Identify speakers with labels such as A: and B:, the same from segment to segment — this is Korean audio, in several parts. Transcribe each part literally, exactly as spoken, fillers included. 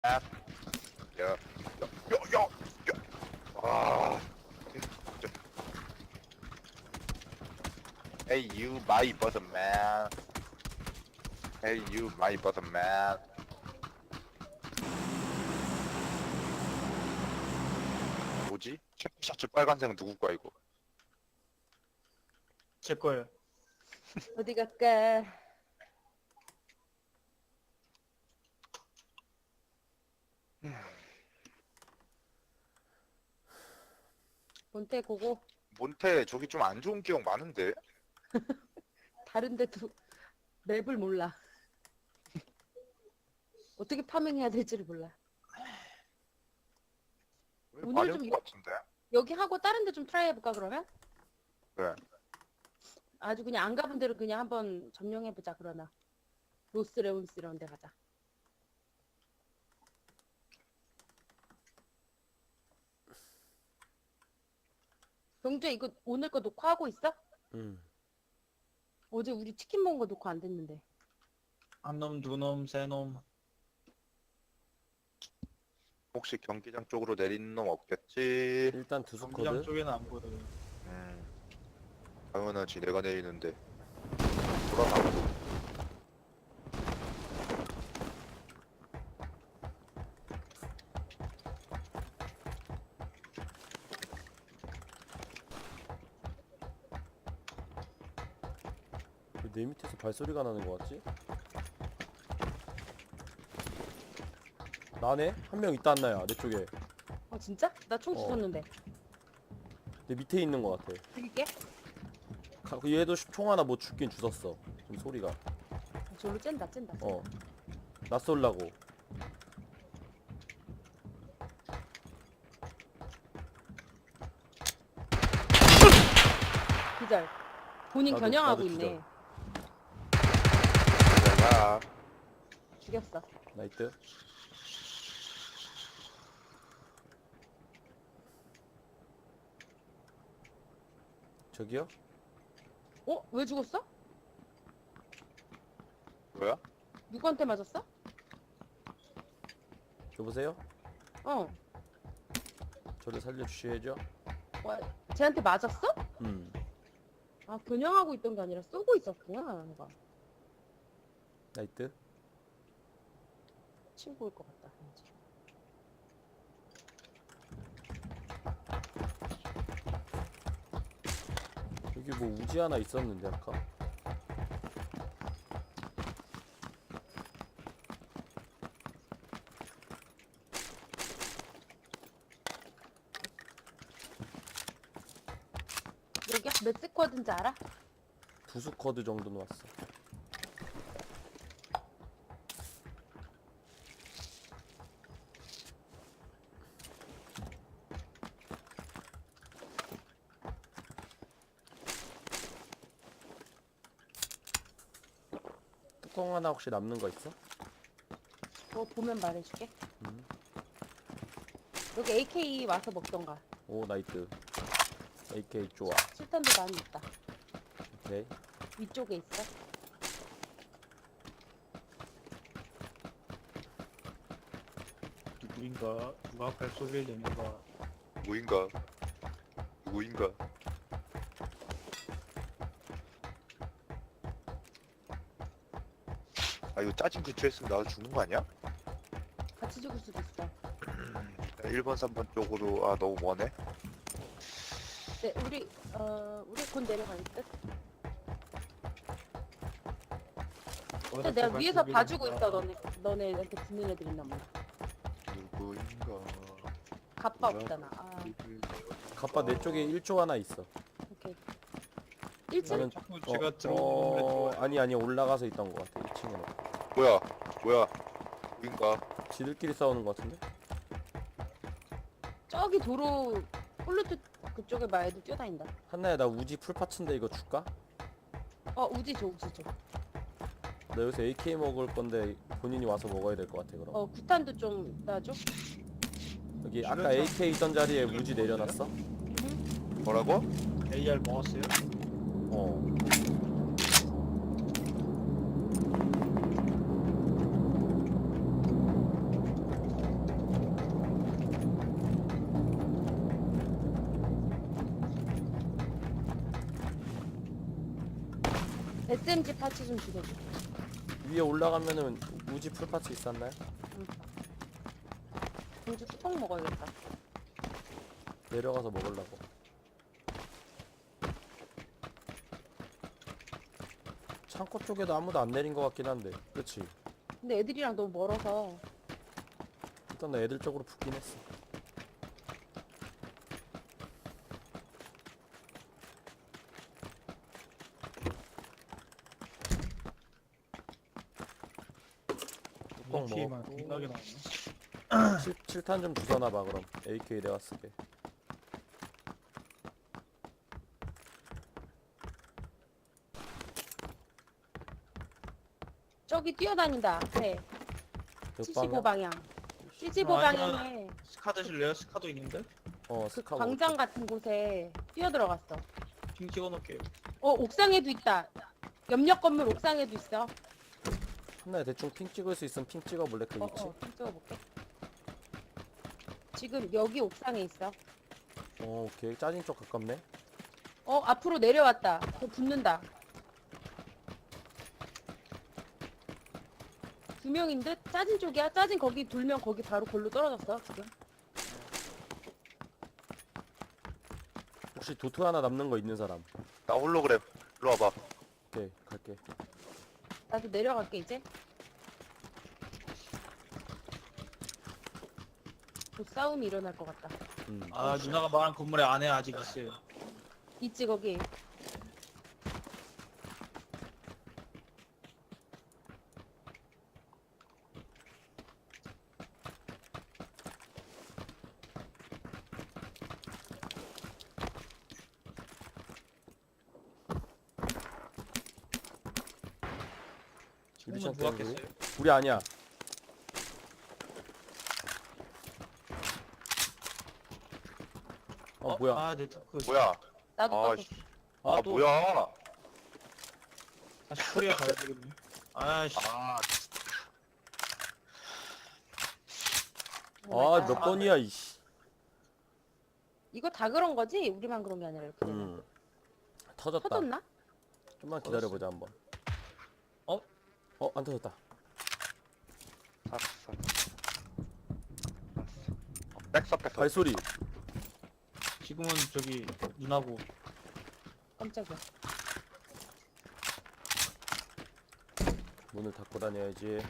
A: 야, 야, 야, 야, 야. 아, 진짜. Hey you, my bottom man. Hey you, my bottom man. 뭐지? 체크 셔츠 빨간색 누구 거야 이거?
B: 제 거예요.
C: 어디 갈까? 몬테 고고.
A: 몬테 저기 좀 안 좋은 기억 많은데?
C: 다른 데도 맵을 몰라. 어떻게 파밍해야 될지를 몰라.
A: 왜
C: 오늘
A: 많은
C: 좀
A: 것 같은데?
C: 여기 하고 다른 데 좀 트라이 해볼까 그러면?
A: 네.
C: 아주 그냥 안 가본 데로 그냥 한번 점령해보자 그러나. 로스레온스 이런 데 가자. 경주야 이거 오늘 거 녹화하고 있어?
D: 응.
C: 어제 우리 치킨 먹은 거 녹화 안 됐는데.
B: 한 놈, 두 놈, 세 놈.
A: 혹시 경기장 쪽으로 내리는 놈 없겠지?
D: 일단
B: 경기장
D: 두수코드.
B: 쪽에는 안 보여요.
A: 음, 당연하지 내가 내리는데 돌아가고.
D: 왜 내 밑에서 발소리가 나는 거 같지? 나네? 한 명 있다 안나야 내 쪽에.
C: 어 진짜? 나 총
D: 어.
C: 주웠는데.
D: 내 밑에 있는 거 같아.
C: 죽일게.
D: 가- 그 얘도 슈- 총 하나 못 죽긴 주웠어. 좀 소리가.
C: 어, 저로 쨘다 쨘다. 쨘다.
D: 어. 나 쏠라고.
C: 기절. 본인
D: 나도-
C: 겨냥하고
D: 나도
C: 있네.
A: 내가
C: 죽였어.
D: 나이트. 저기요?
C: 어? 왜 죽었어?
A: 뭐야?
C: 누구한테 맞았어?
D: 여보세요?
C: 어.
D: 저를 살려주셔야죠.
C: 와, 쟤한테 맞았어?
D: 음.
C: 아, 겨냥하고 있던 게 아니라 쏘고 있었구나. 누가.
D: 나이트.
C: 친구일 것 같다. 왠지.
D: 여기 뭐 우지 하나 있었는데 아까.
C: 여기 몇 스쿼드인지 알아?
D: 두수코드 정도는 왔어. 뚜껑 하나 혹시 남는 거 있어?
C: 그거 보면 말해줄게.
D: 음.
C: 여기 에이케이 와서 먹던가.
D: 오 나이트. 에이케이 좋아.
C: 실탄도 많이 있다.
D: 오케이.
C: 위쪽에 있어.
B: 누구인가? 누가 발소리를 내는가?
A: 누구인가? 누구인가? 아 이거 짜증 근처에 으면 나도 죽는 거 아니야?
C: 같이 죽을 수도 있어.
A: 일 번, 삼 번 쪽으로 아 너무 머네?
C: 네, 우리 어 우리 곧 내려갈 듯. 근데 내가 위에서 봐주고 있어. 너네 너네한테 붙는 애들 있나 보다.
A: 누구인가?
C: 갑바 없잖아. 아,
D: 갑바 내 쪽에 일 조 하나 있어.
C: 오케이. 일 층?
D: 나는
B: 자꾸
D: 어,
B: 제가 들어오는
D: 어,
B: 건물에
D: 아니 아니 올라가서 있던 것 같아. 이 층으로.
A: 뭐야? 뭐야? 누구인가?
D: 지들끼리 싸우는 것 같은데?
C: 저기 도로 폴루트 그쪽에 막 애들 뛰어다닌다.
D: 한나야 나 우지 풀파츠인데 이거 줄까?
C: 어 우지 줘 우지 줘.
D: 나 여기서 에이케이 먹을 건데 본인이 와서 먹어야 될 것 같아 그럼.
C: 어 구탄도 좀 놔줘.
D: 여기 아까 에이케이 있던 자리에 우지 내려놨어?
A: 뭐라고?
B: 에이알 먹었어요?
D: 어.
C: 에스엠지 파츠 좀 주려고.
D: 위에 올라가면은 우지 풀파츠 있었나요?
C: 공주 뚜껑 먹어야겠다.
D: 내려가서 먹으려고. 창고 쪽에도 아무도 안 내린 것 같긴 한데, 그치?
C: 근데 애들이랑 너무 멀어서
D: 일단 나 애들 쪽으로 붙긴 했어. 뚜껑
B: 피만
D: 먹었고.
B: 겁나게 나오네.
D: 칠 탄 좀 주워놔봐 그럼. 에이케이 내가 쓸게.
C: 저기 뛰어다닌다. 앞에
D: 그
C: 칠십오
D: 방향?
C: 방향. 칠십오
B: 아,
C: 방향에
B: 스카 드실래요? 스카도 있는데?
D: 어
C: 그
D: 스카고.
C: 광장 같은 곳에 뛰어 들어갔어.
B: 핑 찍어놓을게요.
C: 어 옥상에도 있다. 옆옆 건물 옥상에도 있어.
D: 한나야 대충 핑 찍을 수 있으면 핑 찍어볼래 그
C: 어,
D: 위치?
C: 어, 좀 찍어볼게. 지금 여기 옥상에 있어.
D: 어 오케이 짜진 쪽 가깝네.
C: 어 앞으로 내려왔다. 저 붙는다. 두 명인 듯? 짜진 쪽이야? 짜진 거기 돌면 거기 바로 골로 떨어졌어 지금.
D: 혹시 도트 하나 남는 거 있는 사람?
A: 나 홀로그램. 일로 와봐.
D: 오케이 갈게.
C: 나도 내려갈게 이제. 곧 싸움이 일어날 것 같다.
D: 음.
B: 아 누나가 말한 건물에 안에 아직 있어요.
C: 있지 거기.
D: 유리창
B: 누가
D: 때문에
B: 깼어요?
D: 우리 아니야. 어, 뭐야?
B: 아 네트워크.
A: 뭐야?
C: 나도
A: 아,
C: 떴어.
A: 씨.
B: 아,
A: 아
B: 또
A: 뭐야?
B: 다시 코리아 가야 되겠네. 아씨.
A: 아,
C: 오 마이
D: 아
C: 갓.
D: 몇 번이야 이씨.
C: 이거 다 그런 거지? 우리만 그런 게 아니라 이렇게 되면.
D: 음. 터졌다.
C: 터졌나?
D: 좀만 기다려보자 한번.
B: 어?
D: 어 안 터졌다.
A: 샀어. 백서 백서.
D: 발소리.
B: 지금은 저기 누나고.
C: 깜짝이야.
D: 문을 닫고 다녀야지.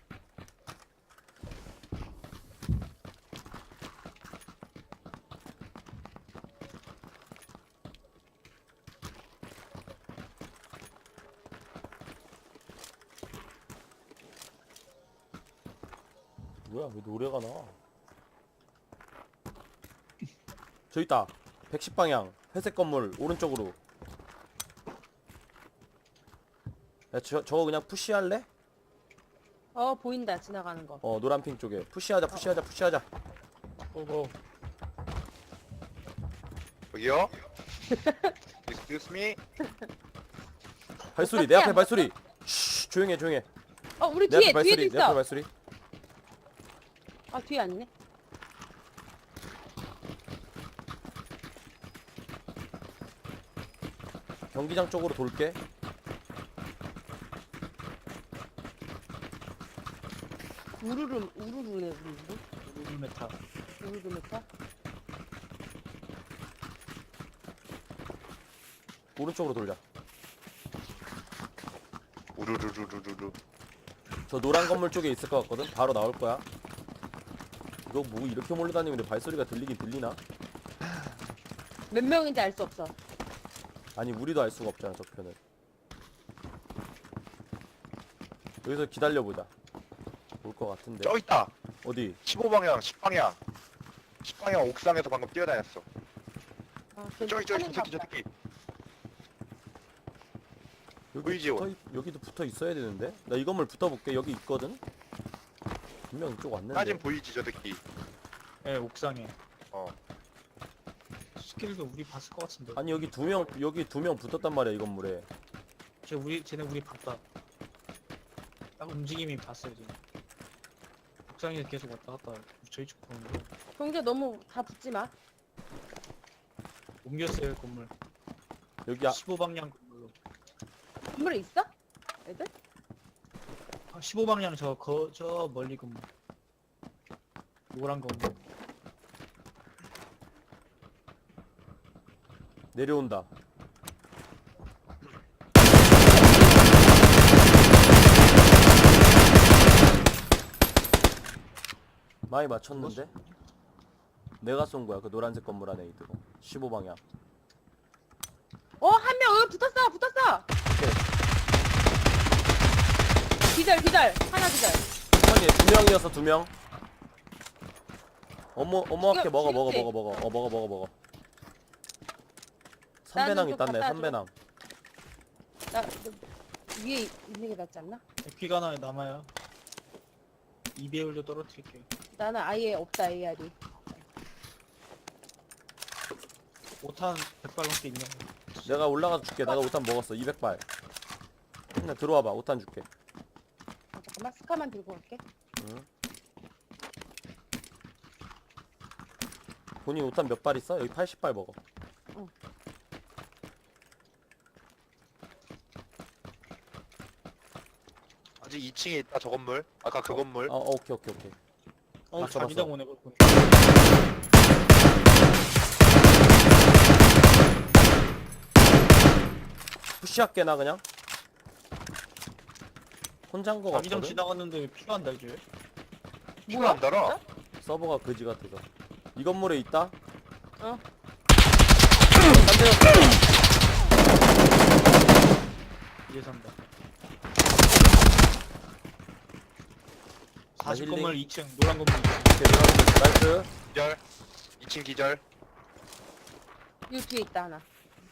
D: 뭐야 왜 노래가 나와? 저 있다. 백십 방향 회색 건물 오른쪽으로. 야 저, 저거 그냥 푸시할래?
C: 어 보인다 지나가는 거.
D: 어 노란핑 쪽에 푸시하자 푸시하자 푸시하자.
B: 고고.
A: 여기요? Excuse me?
D: 발소리 내 앞에 발소리. 쉬 조용해 조용해.
C: 어 우리
D: 내
C: 뒤에
D: 앞에
C: 뒤에도
D: 발소리 내 앞에
C: 있어.
D: 발소리.
C: 아 뒤에 아니네.
D: 경기장 쪽으로 돌게.
C: 우르르 우르르네 우르르.
B: 우르메타.
C: 우르르 메타.
D: 오른쪽으로 돌자.
A: 우르르르르르르.
D: 저 노란 건물 쪽에 있을 것 같거든. 바로 나올 거야. 이거 뭐 이렇게 몰려다니는데 발소리가 들리긴 들리나?
C: 몇 명인지 알 수 없어.
D: 아니 우리도 알 수가 없잖아 저편은. 여기서 기다려보자. 올 것 같은데.
A: 저기 있다.
D: 어디?
A: 십오 방향, 십 방향. 십 방향 옥상에서 방금 뛰어다녔어.
C: 아,
A: 저기 저기 저 새끼 저 새끼.
D: 여기
A: 보이지,
D: 붙어, 있- 여기도 붙어 있어야 되는데. 나 이 건물 붙어볼게. 여기 있거든. 분명 이쪽 왔는데.
A: 사진 보이지 저 새끼.
B: 예 옥상에.
A: 어.
B: 스킬도 우리 봤을 것 같은데.
D: 아니 여기 두 명 여기 두 명 붙었단 말이야 이 건물에.
B: 쟤 우리 쟤네 우리 봤다. 딱 움직임이 봤어요 지금. 옥상에 계속 왔다 갔다 저희 쪽 보는 거.
C: 경제 너무 다 붙지 마.
B: 옮겼어요 건물.
D: 여기 아,
B: 십오 방향 건물로.
C: 건물에 있어? 애들?
B: 아, 십오 방향 저, 거, 저 멀리 건물. 노란 건물.
D: 내려온다. 많이 맞췄는데? 내가 쏜 거야. 그 노란색 건물 안에 있고. 십오 방향.
C: 어, 한 명 여기 붙었어, 붙었어. 기절, 기절, 하나 기절.
D: 천천히 두 명이어서 두 명. 어머 어머하게
C: 지금
D: 먹어 먹어
C: 지금
D: 먹어 먹어. 어 먹어 먹어 먹어.
C: 나는
D: 삼배낭
C: 좀
D: 있다네.
C: 갖다 줘.
D: 삼배낭.
C: 나 너, 위에 있는 게 낫지 않나?
B: 에피가 하나 남아요. 이 배율도 떨어뜨릴게요.
C: 나는 아예 없다 에이알이.
B: 오탄 백 발 넘게 있냐?
D: 내가 올라가서 줄게. 내가 오탄 먹었어. 이백 발. 그냥 들어와봐. 오탄 줄게.
C: 아, 잠깐만 스카만 들고 갈게.
D: 응. 본인 오탄 몇 발 있어? 여기 팔십 발 먹어.
A: 아직 이 층에 있다 저 건물. 아까 그 건물.
D: 어, 어 오케이 오케이 오케이.
B: 어,
D: 맞춰,
B: 자기장
D: 맞춰.
B: 오네, 그거.
D: 푸시할게 나 그냥. 혼자인 거
B: 자기장
D: 같거든?
B: 지나갔는데 왜 피가 안 달죠?
A: 피가 안 달아.
D: 서버가 그지 같아서. 이 건물에 있다?
C: 어.
D: 딴 데였어.
B: 이제 산다.
D: 나
B: 사십
D: 힐링.
B: 건물 이 층, 노란 건물 이 층.
D: 오케이, 들어가면 나이스.
A: 기절. 이 층 기절.
C: 이 뒤에 있다 하나.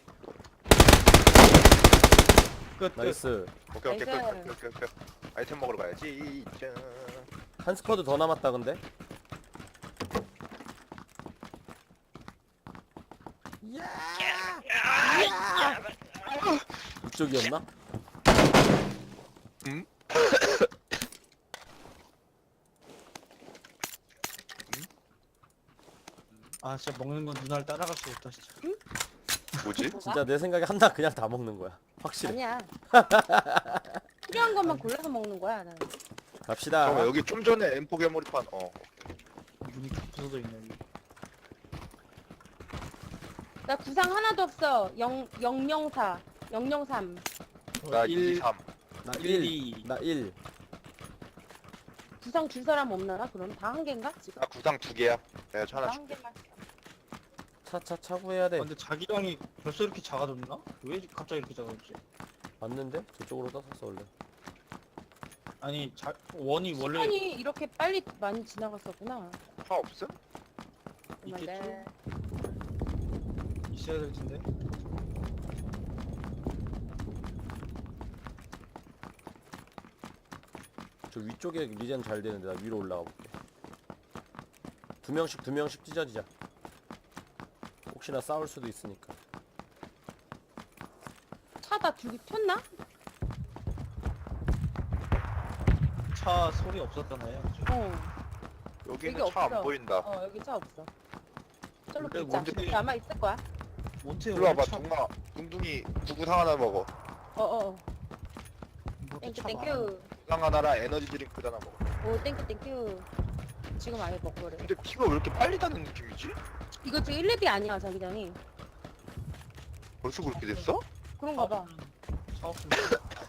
B: 끝, 끝.
D: 나이스.
A: 오케이 오케이
C: 나이스.
A: 오케이 오케이 오케이. 아이템 먹으러 가야지. 짠.
D: 한 스쿼드 더 남았다 근데. 이쪽이었나?
A: 응?
B: 아, 진짜 먹는 건 누나를 따라갈 수 없다, 진짜.
A: 뭐지?
D: 진짜 내 생각에 한나 그냥 다 먹는 거야. 확실해.
C: 아니야. 필요한 것만 골라서 먹는 거야 나는.
D: 갑시다.
A: 잠깐만 여기 좀 전에 엠포 괴물판. 어.
B: 문이 다 부서져 있네, 여기.
C: 나 구상 하나도 없어. 영 영영사, 영영삼.
A: 나
B: 일,
A: 이, 삼.
D: 나
B: 일,
D: 일.
B: 이.
D: 나 일.
C: 구상 줄 사람 없나? 그럼 다 한 개인가? 지금
A: 나 구상 두 개야. 내가 저
C: 다
A: 하나
C: 한
A: 줄게.
C: 개만.
D: 차차 차고 해야 돼.
B: 아, 근데 자기장이 벌써 이렇게 작아졌나? 왜 갑자기 이렇게 작아졌지?
D: 맞는데? 저쪽으로 떠섰어 원래.
B: 아니, 자, 원이 원래
C: 시간이 이렇게 빨리 많이 지나갔었구나.
A: 차 없음?
B: 있겠죠? 있어야 될 텐데.
D: 저 위쪽에 리젠 잘 되는데 나 위로 올라가 볼게. 두 명씩 두 명씩 찢어지자. 혹시나 싸울 수도 있으니까.
C: 차다 둘이 폈나?
B: 차 소리 없었잖아요. 그죠?
C: 어.
A: 여기는
C: 여기
A: 차 안
C: 없어.
A: 보인다.
C: 어 여기 차 없어. 저로
B: 그래,
C: 붙자.
B: 뭔데?
C: 여기 아마 있을 거야.
B: 몬테
A: 일로 와봐
B: 원래 차,
A: 둥아. 둥둥이 구구상 하나 먹어.
C: 어어.
B: 몬테
C: 땡큐
B: 차 많아.
C: 땡큐.
A: 구상 하나랑 에너지 드링크 하나 먹어.
C: 오 땡큐 땡큐. 지금 아예 먹거래.
A: 근데 피가 왜 이렇게 빨리 닿는 느낌이지?
C: 이거 지금 일 렙이 아니야 자기장이.
A: 벌써 그렇게 됐어?
C: 그런가 봐.
B: 차 없으면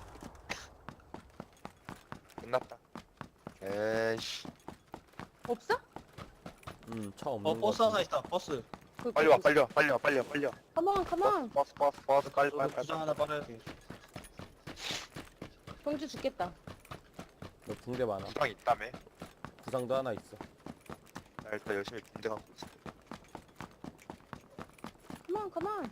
A: 끝났다. 에이씨.
C: 없어?
D: 음, 차 없는
B: 어,
D: 거
B: 버스 하나
D: 같은데.
B: 있다. 버스.
C: 그,
A: 빨리 와 빨리 와 빨리 와 빨리 와 빨리 와.
C: 컴온 컴온.
A: 버스 버스 버스 빨리
B: 저도
A: 빨리 빨리.
B: 구상 하나 빨아야 돼.
C: 경주 죽겠다.
D: 너 붕대 많아.
A: 구상 있다며.
D: 구상도 하나 있어.
A: 나 일단 열심히 군대 갖고 있어.
C: 컴온 컴온.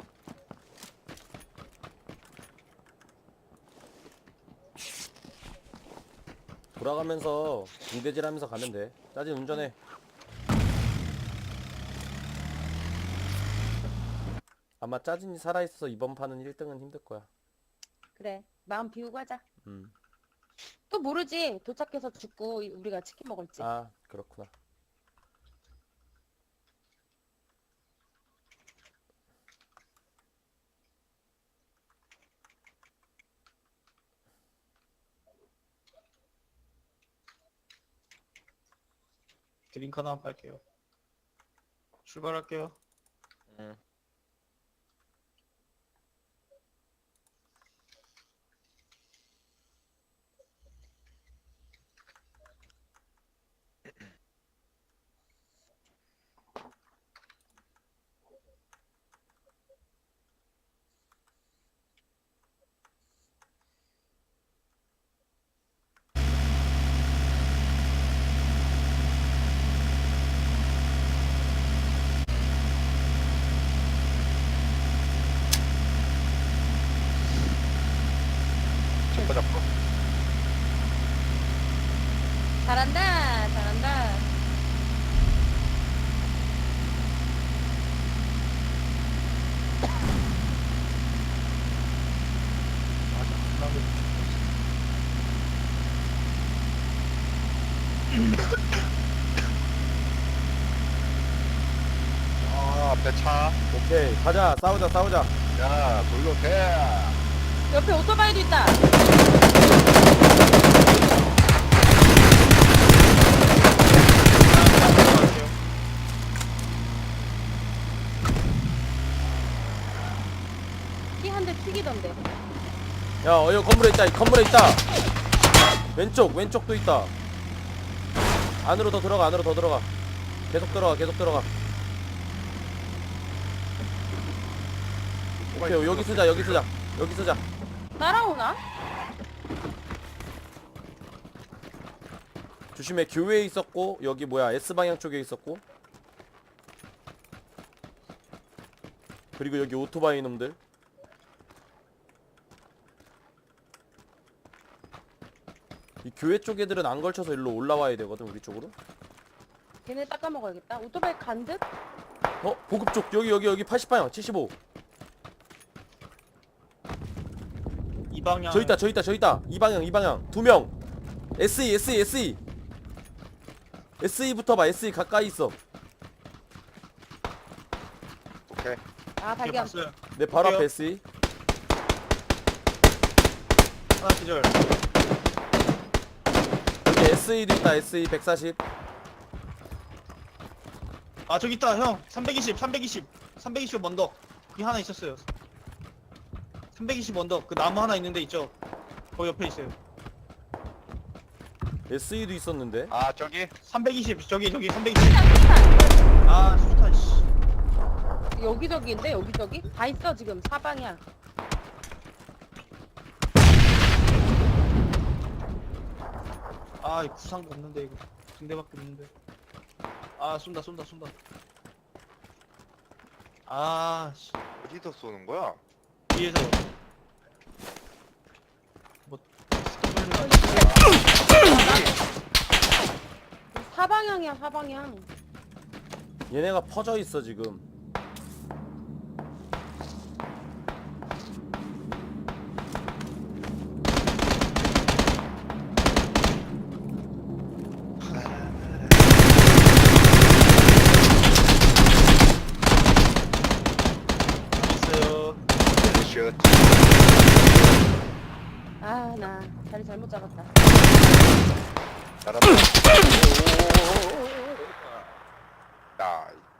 D: 돌아가면서 붕대질하면서 가면 돼. 짜진 운전해. 아마 짜진이 살아있어서 이번 판은 일 등은 힘들 거야.
C: 그래 마음 비우고 하자.
D: 음.
C: 또 모르지. 도착해서 죽고 우리가 치킨 먹을지.
D: 아, 그렇구나.
B: 드링크 하나 팔게요. 출발할게요.
A: 응. 잡고 잡고.
C: 잘한다, 잘한다.
A: 아 앞에 차.
D: 오케이 가자 싸우자 싸우자.
A: 야 돌격해.
C: 옆에 오토바이도 있다. 키 한 대 튀기던데.
D: 야 어, 여기 건물에 있다 이 건물에 있다. 왼쪽 왼쪽도 있다. 안으로 더 들어가 안으로 더 들어가. 계속 들어가 계속 들어가. 오케이 여기 쓰자 여기 쓰자 여기 쓰자.
C: 따라오나?
D: 조심해 교회에 있었고 여기 뭐야 S방향 쪽에 있었고 그리고 여기 오토바이 놈들. 이 교회 쪽 애들은 안 걸쳐서 일로 올라와야 되거든 우리 쪽으로.
C: 걔네 닦아 먹어야겠다. 오토바이 간 듯?
D: 어? 보급 쪽 여기 여기 여기 팔십 방향 칠십오.
B: 이 방향.
D: 저 있다 저 있다 저 있다 이 방향 이 방향 두명. 에스이 에스이 에스이 에스이부터 봐. 에스이 가까이 있어.
A: 오케이.
C: 아,
B: 이게
C: 발견.
B: 봤어요.
D: 내 바로
B: 볼게요.
D: 앞에 에스이.
B: 하나 기절.
D: 여기 에스이도 있다. 에스이 백사십.
B: 아 저기 있다 형. 삼백이십 삼백이십 삼백이십 언덕. 여기 하나 있었어요. 삼백이십 언덕. 그 나무 하나 있는데 있죠. 거기 옆에 있어요.
D: 에스이도 있었는데.
A: 아 저기.
B: 삼백이십 저기 저기 삼백이십.
C: 수탄, 수탄.
B: 아 수탄 씨.
C: 여기저기인데, 여기저기? 다 있어, 지금. 사방향.
B: 아 이 구상도 없는데 이거. 군대밖에 없는데. 아 쏜다 쏜다 쏜다. 아 씨.
A: 어디서 쏘는 거야?
B: 뒤에서. 뭐.
C: 사방향이야, 사방향.
D: 얘네가 퍼져 있어 지금.
B: 있어요.
A: 슛.
C: 아, 나 자리 잘못 잡았다.
A: 잘한다. 야